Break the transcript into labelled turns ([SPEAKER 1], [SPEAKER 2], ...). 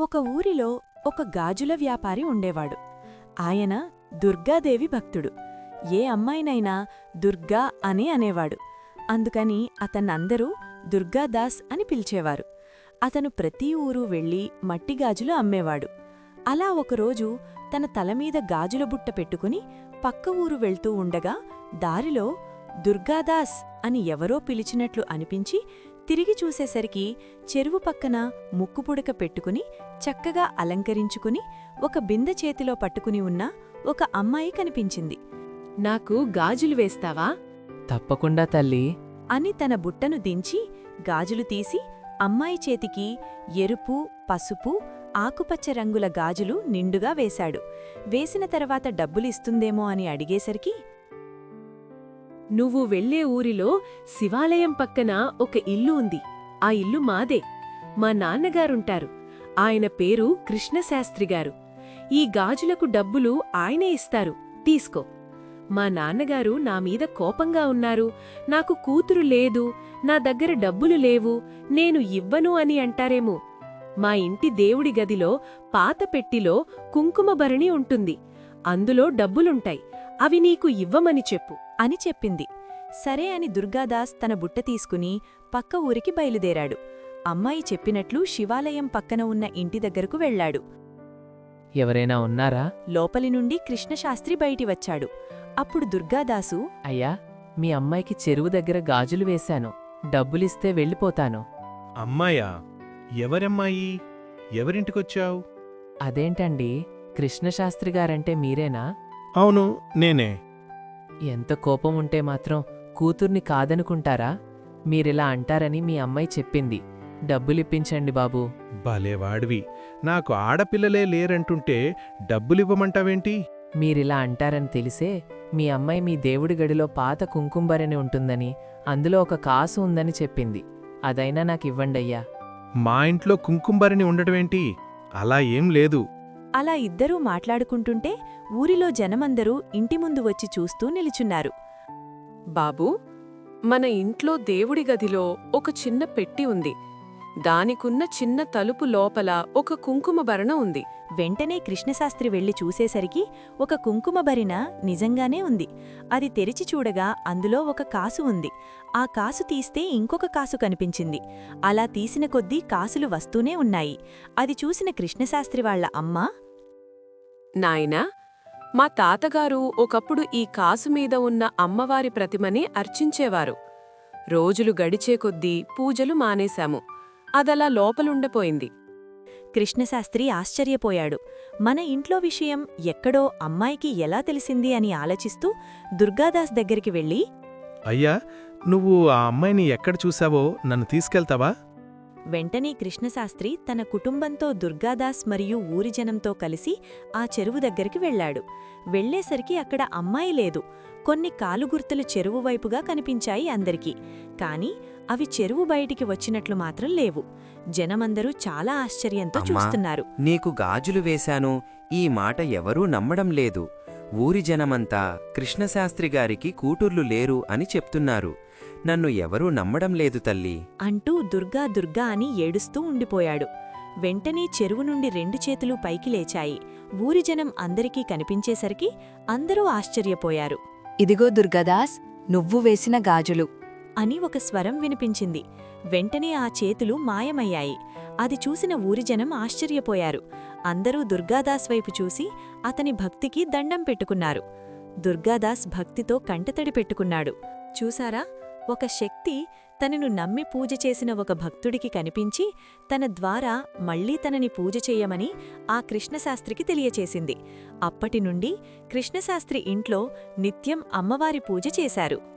[SPEAKER 1] ఒక ఊరిలో ఒక గాజుల వ్యాపారి ఉండేవాడు. ఆయన దుర్గాదేవి భక్తుడు. ఏ అమ్మాయినైనా దుర్గా అని అనేవాడు. అందుకని అతన్నందరూ దుర్గాదాస్ అని పిలిచేవారు. అతను ప్రతి ఊరు వెళ్ళి మట్టి గాజులు అమ్మేవాడు. అలా ఒకరోజు తన తలమీద గాజుల బుట్ట పెట్టుకుని పక్క ఊరు వెళ్తూ ఉండగా దారిలో దుర్గాదాస్ అని ఎవరో పిలిచినట్లు అనిపించి తిరిగి చూసేసరికి చెరువు పక్కన ముక్కుపుడక పెట్టుకుని చక్కగా అలంకరించుకుని ఒక బిందె చేతిలో పట్టుకుని ఉన్న ఒక అమ్మాయి కనిపించింది.
[SPEAKER 2] నాకు గాజులు వేస్తావా?
[SPEAKER 3] తప్పకుండా తల్లీ
[SPEAKER 1] అని తన బుట్టను దించి గాజులు తీసి అమ్మాయి చేతికి ఎరుపు, పసుపు, ఆకుపచ్చ రంగుల గాజులు నిండుగా వేశాడు. వేసిన తర్వాత డబ్బులిస్తుందేమో అని అడిగేసరికి,
[SPEAKER 2] నువ్వు వెళ్లే ఊరిలో శివాలయం పక్కన ఒక ఇల్లు ఉంది. ఆ ఇల్లు మాదే. మా నాన్నగారుంటారు. ఆయన పేరు కృష్ణశాస్త్రిగారు. ఈ గాజులకు డబ్బులు ఆయనే ఇస్తారు, తీసుకో. మా నాన్నగారు నామీద కోపంగా ఉన్నారు. నాకు కూతురు లేదు, నా దగ్గర డబ్బులు లేవు, నేను ఇవ్వను అని అంటారేమో. మా ఇంటి దేవుడి గదిలో పాత పెట్టిలో కుంకుమభరణి ఉంటుంది. అందులో డబ్బులుంటాయి. అవి నీకు ఇవ్వమని చెప్పు
[SPEAKER 1] అని చెప్పింది. సరే అని దుర్గాదాస్ తన బుట్ట తీసుకుని పక్క ఊరికి బయలుదేరాడు. అమ్మాయి చెప్పినట్లు శివాలయం పక్కన ఉన్న ఇంటి దగ్గరకు వెళ్లాడు.
[SPEAKER 3] ఎవరైనా ఉన్నారా?
[SPEAKER 1] లోపలి నుండి కృష్ణశాస్త్రి బయటి వచ్చాడు. అప్పుడు దుర్గాదాసు,
[SPEAKER 3] అయ్యా, మీ అమ్మాయికి చెరువు దగ్గర గాజులు వేశాను. డబ్బులిస్తే వెళ్ళిపోతాను.
[SPEAKER 4] అమ్మాయా? ఎవరమ్మాయి? ఎవరింటికొచ్చావు?
[SPEAKER 3] అదేంటండి, కృష్ణశాస్త్రిగారంటే మీరేనా?
[SPEAKER 4] అవును, నేనే.
[SPEAKER 3] ఎంత కోపం ఉంటే మాత్రం కూతుర్ని కాదనుకుంటారా? మీరిలా అంటారని మీ అమ్మాయి చెప్పింది. డబ్బులిప్పించండి బాబూ.
[SPEAKER 4] భలేవాడివి. నాకు ఆడపిల్లలే లేరంటుంటే డబ్బులివ్వమంటావేంటి?
[SPEAKER 3] మీరిలా అంటారని తెలిసే మీ అమ్మాయి మీ దేవుడి గడిలో పాత కుంకుంబరని ఉంటుందని, అందులో ఒక కాసు ఉందని చెప్పింది. అదైనా నాకివ్వండయ్యా.
[SPEAKER 4] మా ఇంట్లో కుంకుంబరిని ఉండటమేంటి? అలా ఏం లేదు.
[SPEAKER 1] అలా ఇద్దరూ మాట్లాడుకుంటుంటే ఊరిలో జనమందరూ ఇంటి ముందు వచ్చి చూస్తూ నిలుచున్నారు.
[SPEAKER 2] బాబూ, మన ఇంట్లో దేవుడి గదిలో ఒక చిన్న పెట్టి ఉంది. దానికున్న చిన్న తలుపు లోపల ఒక కుంకుమభరణ ఉంది.
[SPEAKER 1] వెంటనే కృష్ణశాస్త్రి వెళ్లి చూసేసరికి ఒక కుంకుమభరిణ నిజంగానే ఉంది. అది తెరిచి చూడగా అందులో ఒక కాసు ఉంది. ఆ కాసు తీస్తే ఇంకొక కాసు కనిపించింది. అలా తీసిన కొద్దీ కాసులు వస్తూనే ఉన్నాయి. అది చూసిన కృష్ణశాస్త్రి వాళ్ల అమ్మ,
[SPEAKER 2] నాయనా, మా తాతగారు ఒకప్పుడు ఈ కాసు మీద ఉన్న అమ్మవారి ప్రతిమని అర్చించేవారు. రోజులు గడిచే కొద్దీ పూజలు మానేశాము. అదలా లోపలుండిపోయింది.
[SPEAKER 1] కృష్ణశాస్త్రి ఆశ్చర్యపోయాడు. మన ఇంట్లో విషయం ఎక్కడో అమ్మాయికి ఎలా తెలిసింది అని ఆలోచిస్తూ దుర్గాదాస్ దగ్గరికి వెళ్ళి,
[SPEAKER 4] అయ్యా, నువ్వు ఆ అమ్మాయిని ఎక్కడ చూశావో నన్ను తీసుకెళ్తావా?
[SPEAKER 1] వెంటనే కృష్ణశాస్త్రి తన కుటుంబంతో దుర్గాదాస్ మరియు ఊరి జనంతో కలిసి ఆ చెరువు దగ్గరికి వెళ్లాడు. వెళ్లేసరికి అక్కడ అమ్మాయి లేదు. కొన్ని కాలుగుర్తులు చెరువు వైపుగా కనిపించాయి అందరికీ. కాని అవి చెరువు బయటికి వచ్చినట్లు మాత్రం లేవు. జనమందరూ చాలా ఆశ్చర్యంతో చూస్తున్నారు.
[SPEAKER 5] నీకు గాజులు వేశాను, ఈ మాట ఎవరూ నమ్మడం లేదు. ఊరి జనమంతా కృష్ణశాస్త్రిగారికి కూతుర్లు లేరు అని చెప్తున్నారు. నన్ను ఎవరూ నమ్మడం లేదు తల్లీ
[SPEAKER 1] అంటూ దుర్గా దుర్గా అని ఏడుస్తూ ఉండిపోయాడు. వెంటనే చెరువు నుండి 2 చేతులు పైకి లేచాయి. ఊరి జనం అందరికీ కనిపించేసరికి అందరూ ఆశ్చర్యపోయారు.
[SPEAKER 6] ఇదిగో దుర్గాదాస్, నువ్వు వేసిన గాజులు
[SPEAKER 1] అని ఒక స్వరం వినిపించింది. వెంటనే ఆ చేతులు మాయమయ్యాయి. అది చూసిన ఊరి జనం ఆశ్చర్యపోయారు. అందరూ దుర్గాదాస్ వైపు చూసి అతని భక్తికి దండం పెట్టుకున్నారు. దుర్గాదాస్ భక్తితో కంటతడి పెట్టుకున్నాడు. చూసారా, ఒక శక్తి తనను నమ్మి పూజ చేసిన ఒక భక్తుడికి కనిపించి తన ద్వారా మళ్లీ తనని పూజ చెయ్యమని ఆ కృష్ణశాస్త్రికి తెలియచేసింది. అప్పటినుండి కృష్ణశాస్త్రి ఇంట్లో నిత్యం అమ్మవారి పూజ చేశారు.